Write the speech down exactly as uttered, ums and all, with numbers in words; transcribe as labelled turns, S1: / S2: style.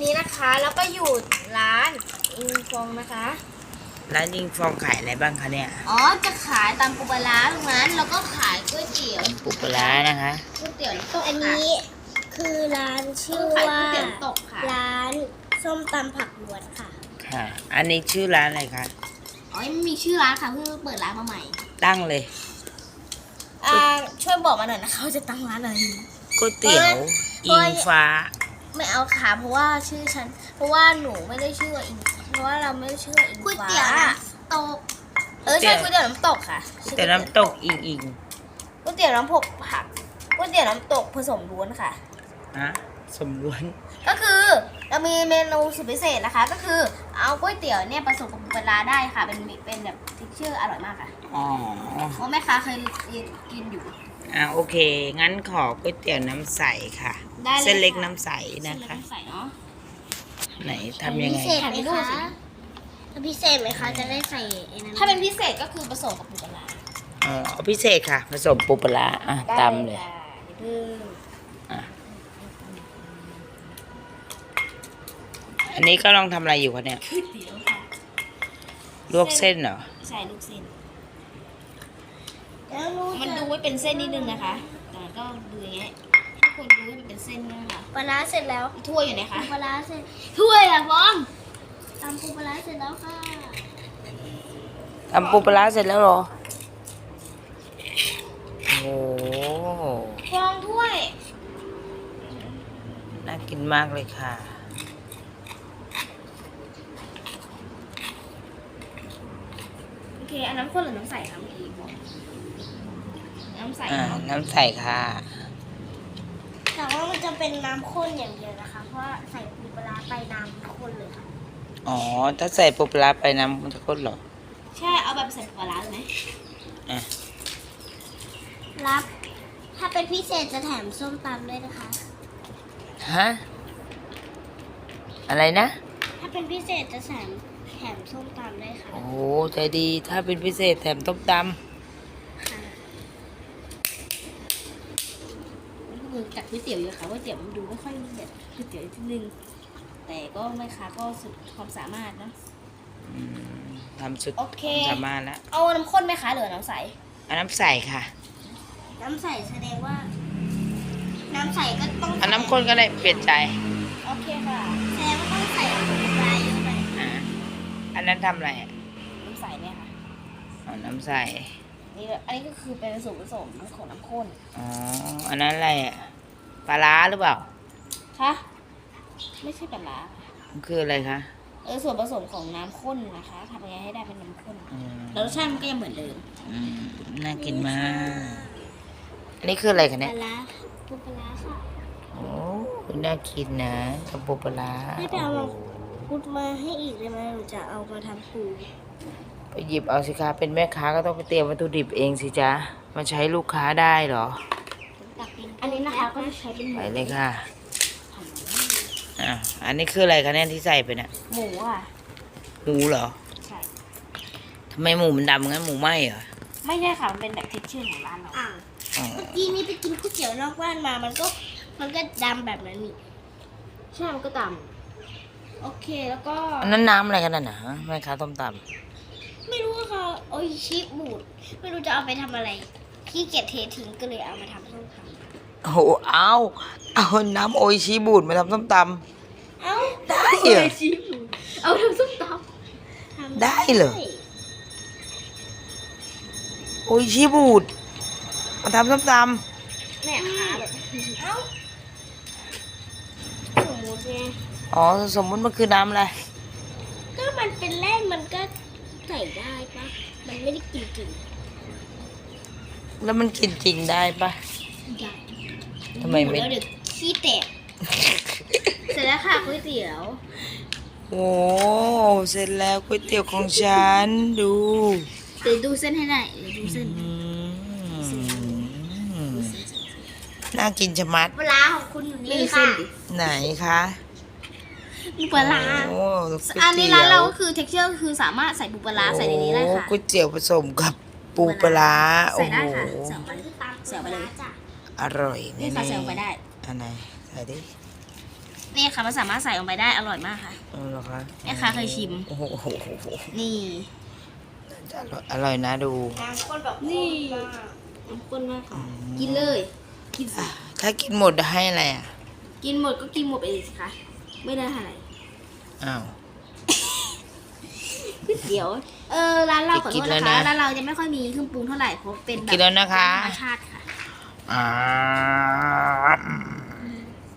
S1: นี้นะคะแล้วก็อยู่ร้านอิงฟองนะคะ
S2: ร้านอิงฟองขายอะไรบ้างคะเนี่ย
S1: อ๋อจะขายตามปูปลาร้าตรงนั้นแล้วก็ขายก๋วยเตี๋ยว
S2: ปูปลานะคะ
S1: ก๋วยเตี๋ยวน้ำตก
S3: อันนี้คือร้านชื่อว่าร้านส้มตำผักล้วนค่ะ
S2: ค่ะอันนี้ชื่อร้านอะไรคะ
S1: อ๋อยังไม่มีชื่อร้านค่ะเพิ่งเปิดร้านมาใหม่
S2: ตั้งเลย
S1: อ่าช่วยบอกมาหน่อยนะคะว่าจะตั้งร้านอะไร
S2: ก๋วยเตี๋ยวอิงฟ้า
S1: ไม่เอาค่ะเพราะว่าชื่อฉันเพราะว่าหนูไม่ได้ชื่อว่าอิงเพราะว่าเราไม่ได้ชื่อว่าอิงฟ้าก๋วยเตี๋ยวน้ำตกเออใช่ก๋วยเตี๋ยวน้ำตกค่ะ
S2: ก๋วยเตี๋ยวน้ำตกอิงอิง
S1: ก๋วยเตี๋ยวน้ำผกผักก๋วยเตี๋ยวน้ำตกผสมล้วนค่ะ
S2: ฮะสมล้วน
S1: ก็คือเรามีเมนูสุดพิเศษนะคะก็คือเอาก๋วยเตี๋ยวเนี่ยผสมกับปูปลาได้ค่ะเป็นเป็นแบบทิกเชอร์อร่อยมากค่ะอ๋อเพราะแม่ค้าเคยกินอยู่
S2: อ่าโอเคงั้นขอก๋วยเตี๋ยวน้ำใสค่ะเส้นเล็กน้ำใสนะคะ
S1: ใส่เนาะ
S2: ไหนทำยังไง
S3: พิเศษไหมคะถ้าพิเศษไหมคะจะได้ใส่
S1: ถ้าเป็นพิเศษก็คือผสมกับปูปลา
S2: อ๋อพิเศษค่ะผสมปูปลาอ่ะตำเลยอันนี้ก็ลองทำอะไรอยู่คะเนี่ยลวกเส้นเหรอ
S1: ใช่ลวกเส้นมันดูไว้เป็นเส้นนิดนึงนะคะแต่ก็ดูอย่างเงี้ยทุกคนดูให้มันเป็นเส้นนะคะ
S3: ปลาเสร็จแล้ว
S1: ถ้วยอยู่ไหนคะ
S3: ปลาเสร็จ
S1: ถ้วยอะฟอง
S3: ตำปูปลาเสร็จแล้วค่ะ
S2: ทำปูปลาเสร็จแล้วเหรอโอ้
S1: ฟองถ้วย
S2: น่ากินมากเลยค่ะ
S1: โอเคอันน้ำข้นหรือน้ำใสคะเมื่อกี้บอกน้ำใส
S2: อ่าน้ำใสค่ะ
S3: แต่ว่ามันจะเป็นน้ำข้นอย่างเดียวนะคะเพราะว่าใส่ปูปลาไปน้ำข้นเลยค่ะ
S2: อ๋อถ้าใส่ปูปลาไปน้ำมันจะข้นเหรอ
S1: ใช่เอาแบบใส่ปูปลาเลยไหม
S2: อ่ะ
S3: รับถ้าเป็นพิเศษจะแถมส้มตำด้วยนะคะ
S2: ฮะอะไรนะ
S3: ถ้าเป็นพิเศษจะแถมแถมส้มตำด้วยค่ะ
S2: โอ้ใจดีถ้าเป็นพิเศษแถมต้มตำ
S1: คือจากก๋วยเตี๋ยวอยู่ค่ะก๋วยเตี๋ยวมันดูไม่ค่อยแบบก๋วยเตี๋ยวนิดนึงแต่ก็ไม่ค่ะก็สุดความสามารถนะ
S2: ทำสุด
S1: ความ
S2: สามารถแล้ว
S1: เอาน้ำข้นไหมคะหรือน้ำใส
S2: เอาน้ำใสค่ะ
S3: น้ำใสแสดงว่าน้ำใสก็ต้อง
S2: เอาน้ำข้นก็ได้เปลี่ยนใจ
S1: โอเคค่ะ
S3: แสดงว่าต้องใส่ปลาเยอะไป
S2: อ่าอันนั้นทำอะไรอ่ะ
S1: น้ำใสเนี่ยค่ะ
S2: เอาน้ำใส
S1: นี่อันนี้ก็คือเป็นส่วนผสมของน้ำข้น
S2: อ๋ออันนั้นอะไรอ่ะปลาร้าหรือเปล่า
S1: คะไม่ใช่ปลาร้า
S2: มันคืออะไรคะ
S1: เออส่วนผสมของน้ำข้นนะคะทำยังไงให้ได้เป็นน้ำข้นแล้วรสชาติมันก็ยังเหมือนเดิม
S2: น่ากินมากอันนี้คืออะไรคะเนี่ย
S3: ปลาร้าปูปลาค่ะ
S2: โอ้น่ากินนะกับปูปลา
S3: ให้ไปเอามาพูดมาให้อีกได้ไหมหนูจะเอามาทำปู
S2: ไปหยิบเอาสิคะเป็นแม่ค้าก็ต้องไปเตรียมวัตถุดิบเองสิจ๊ะมาใช้ลูกค้าได้เหรอ
S1: อันนี้นะคะก็จะใช้เป็น
S2: ไปเลยค่ะอ่ะอันนี้คืออะไรคะเนี่ยที่ใส่ไปเนี่ย
S1: หมูอ่ะ
S2: หมูเหรอ
S1: ใช่
S2: ทำไมหมูมันดำงั้นหมูไหมเหรอ
S1: ไม่ใช่ค่ะมันเป็นแบบเท็กเจอร์ของร้านเรา
S3: เมื่อกี้นี้ไปกินก๋วยเตี๋ยวนอกบ้านมามันก็มันก็ดำแบบนั้นนี่
S1: ใช่มันก็ดำโอเคแล้วก็
S2: อันนั้นน้ำอะไรกันน่ะนะแม่ค้าต้มตำ
S3: ไม่รู้ว่าเขาโอ้ยชีสบูดไม่รู้จะเอาไปทำอะไรขี้เกียจเททิ้งก็เลยเอามาทำส้มตำ
S2: โอ้โหเอาเอาน้ำโออิชิบูดมาทำส้มต
S3: ำเอา
S2: ได้เหรอ
S1: เอาทำส้มต
S2: ำได้เหรอโออิชิบูดมาทำส้มต
S3: ำเนี่ยค่ะแบบเอ้าสมมติไง
S2: อ๋อสมมติมันคือน้ำอะไร
S3: ก็มันเป็นแร่มันก็ใส่ได้ปะมันไม่ได้กินจริง
S2: แล้วมันกินจริงได้ปะ
S3: ได้
S2: ทำไมไม่
S3: เดี๋ยวขี้แตกเสร็จแล้วค่ะก๋วยเตี๋ยว
S2: โอ้เสร็จแล้วก๋วยเตี๋ยวของฉันดู
S1: เดี๋ยวดูเส้นให้ได้เดี๋ยวดูเส้น
S2: น่ากินชะมัด
S3: ปลาของคุณอยู่นี่ค่ะ
S2: ไหนคะ
S1: ปูปลาอันนี้ร้านเราก็คือ เท็กเจอร์คือสามารถใส่ปูปลาใส่ในนี้ได้ค่ะ
S2: ก๋วยเตี๋ยวผสมกับปูปลาโอ้โห
S1: ใส่ไปเลย
S2: อร่อย
S1: นี่ค่ะใส่ไปได้
S2: อันไหนใส่ดิ
S1: นี่ค่ะมันสามารถใส่ลงไปได้อร่อยมากค่ะ
S2: อ๋อเหรอคะ
S1: แม่ค้าเคยชิม
S2: โอ้โห
S1: นี่
S2: จะอร่อยนะดู
S3: การคนแบบ
S1: นี่น้ำข้นมากค่ะ กินเลย กินสิ
S2: ถ้ากินหมดให้อะไรอ่ะ
S1: กินหมดก็กินหมดไปเลยสิคะ ไม่ได้อะไร
S2: อ้าว
S1: เดี๋ยว เออร้านเราขอโทษ
S2: กินแล้
S1: นะ
S2: ว
S1: คะ
S2: นะ
S1: ร้านเราจะไม่ค่อยมีเครื่องปรุงเท่าไหร่เพราะเป็นแบบ
S2: กินแล้วนะคะ
S1: ธรรมชาติค่ะ
S2: อ่า